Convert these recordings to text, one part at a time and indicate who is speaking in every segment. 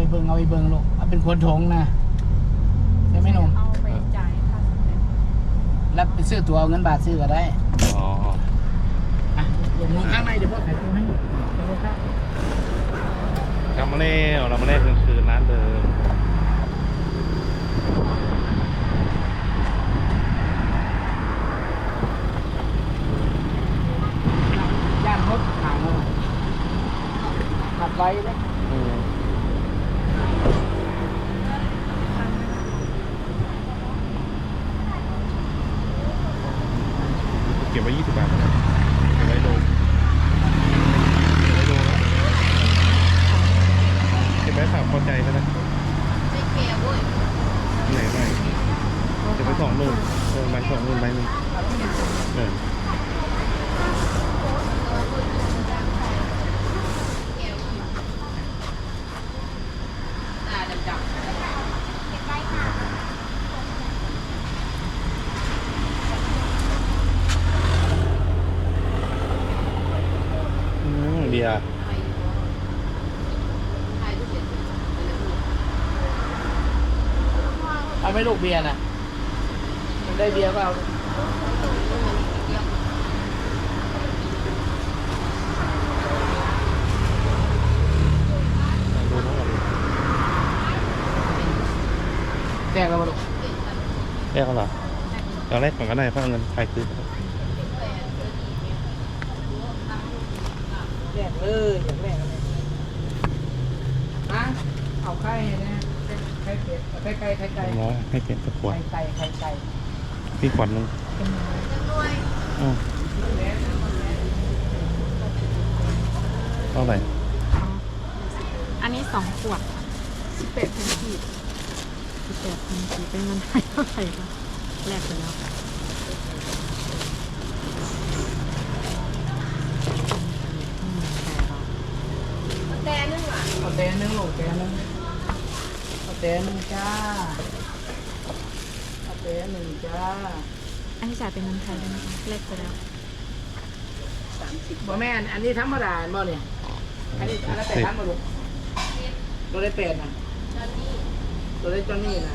Speaker 1: เบิ่งลูกเอาเป็นขวดถงนะใช่ไหมหนุ่ม
Speaker 2: เอาไปจ่ายค่าสำเร็จ
Speaker 1: รับไปซื้อตัวเอาเงินบาทซื้อก็ได้
Speaker 3: อ๋อ
Speaker 1: อ่ะเดี๋ยวมึงข้างในเดี๋ยวพ่อขายตัวให้เดี๋ยวพ่อข้าง
Speaker 3: กลับมาแล้วเรามาเล่นกลางคืนร้านเดิม
Speaker 1: ย่านรถขายมาขับไว้เลย
Speaker 3: เก็บไว้20 บาทนะเก็บไว้ดูเก็บไว้ฝากพอใจแล้วนะไหนไหนเก็บไว้2 ลูกใบ2 ลูกใบหนึ่งเบียร์
Speaker 1: เอาไม่ลูกเบียร์นะได้เบียร์ก็เอาแจกแล้วมาลูก
Speaker 3: แรกเหรอเราแรกก่อนก็ได้เพราะเอาเงินใครคืน
Speaker 1: แจกเลยอย่างแรกเลยนะเอาไข่นะไข่เป็ดไข่ไก่
Speaker 3: ร้อยให้เป็นตะขวด
Speaker 1: ไข่ไก่
Speaker 3: พี่ขวดนึงเท่าไหร่
Speaker 2: อันนี้2 ขวด18,000 กีบ18,000 กีบเป็นเงินไทยเท่าไหร่คะแลกไปแล้วแต่นึงอ่ะ
Speaker 1: เอาแต่นึงลูกแต่นึงเอาแต่นึงจ้าเอาแต่นึงจ้า
Speaker 2: อันนี้จ่ายเป็นเงินไทยได้ไหมคะแลกไปแล้ว
Speaker 1: บ่แม่นอันนี้ธรรมดาบ่เนี่ยอันนี้อันละ8,000บ่ลูกตัวได้8นะตัวได้จอนนี่นะ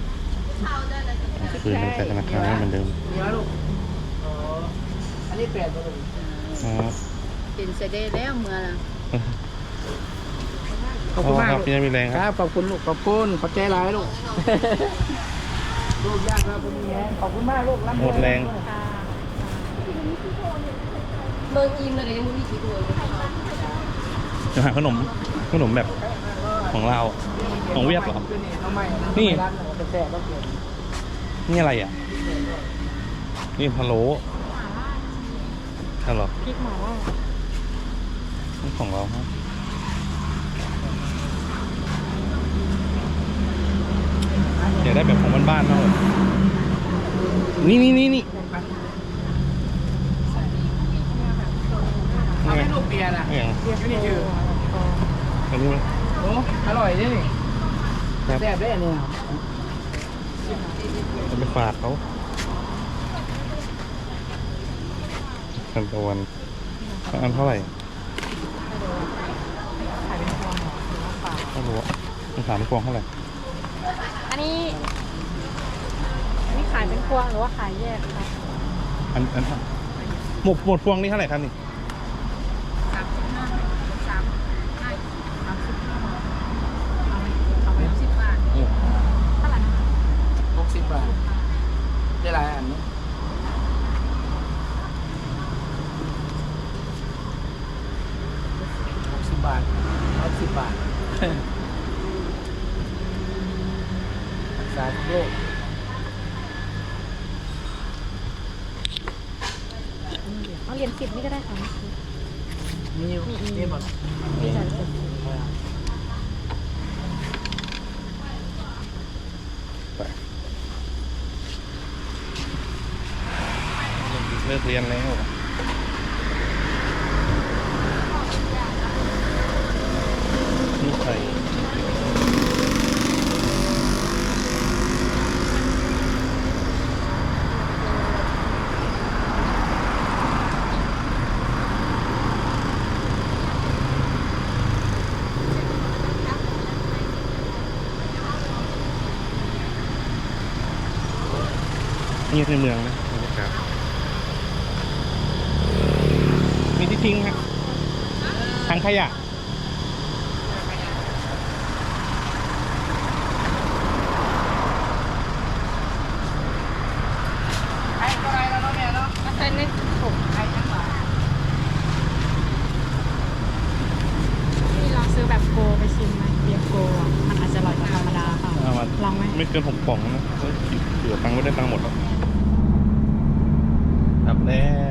Speaker 3: คืนตั้งแต่ธนาคารเหมือนเดิม
Speaker 1: มีไหมลูกอ๋ออันนี้8บ่ลูก
Speaker 3: อ๋อ
Speaker 4: เป็นเสด็จแล้วเมื่อละ
Speaker 1: ขอบคุณมาก
Speaker 3: ครับ
Speaker 1: ลูก
Speaker 3: พี่ยังมีแรง
Speaker 1: ค
Speaker 3: ค
Speaker 1: รั
Speaker 3: รั
Speaker 1: บบ ขอบคุณลูกขอบคุณขอบใจหลายลูกลูกยากครับคุณแม่ขอบคุณมากลูก
Speaker 3: หมดแรง
Speaker 2: ค่ะ
Speaker 4: เมืองอิมเลยยังไม่มีกี่ตัวเลย
Speaker 3: จะหาขนมแบบของเราของเวียดเหรอ นี่
Speaker 1: นี่ร้านหนูเป็นแซ่บก็เกิน
Speaker 3: นี่อะไรอ่ะ นี่พะโล้เหรอ
Speaker 2: พริกหม่าล่า
Speaker 3: นี่ของเราครับอยากได้แบบของบ้านๆมากเลยนี่
Speaker 1: เอาให้ลูกเบียร์นะ
Speaker 3: อย่าง
Speaker 1: เบียร์นี่คือ
Speaker 3: อันนี้มั้ย
Speaker 1: โอ้อร่อยด้วยนี่
Speaker 3: ครับ
Speaker 1: แซ่บได้อันนี้ครับ
Speaker 3: จะไปฝากเขาทันตะวันอันเท่าไหร่
Speaker 2: ขายเป็นพวงเหรอหรือว่าเปล่า
Speaker 3: ไม่รู้อะมันถามพวงเท่าไหร่
Speaker 2: อันนี้ขายเป็นพวงหรือว่าขายแยกคะ
Speaker 3: อันหมดพวงนี่เท่าไหร่ครับนี่
Speaker 2: เอาไป10 บาทเท่าไหร่นะคะ
Speaker 1: 60 บาทได้หลายอันนี้60 บาท10 บาทรักษาทุกโรค
Speaker 2: เอาเหรียญ10นี่ก็ได้ค่ะ
Speaker 1: มีอยู่นี่หมด
Speaker 2: มีจ่ายเป็น
Speaker 3: ไปเลิกเรียนแล้วนี่ใครนี่ในเมืองนะบรรยากาศมีที่ทิ้งฮะทางขยะ
Speaker 1: ไอ้ก็ไรแล้วเนาะแม่เนาะ
Speaker 2: ใส่ในถุง
Speaker 1: ไอ้ทั้งหลาย
Speaker 2: นี่ลองซื้อแบบโกไปชิมไหมเบียร์โกอ่ะมันอาจจะอร่อยกว่าธรรมดาค่ะ
Speaker 3: เอามา
Speaker 2: ลองไหม
Speaker 3: ไม่เกิน6 กล่องนะเหลือตังค์ไม่ได้ตังค์หมดหรอกครับแล้ว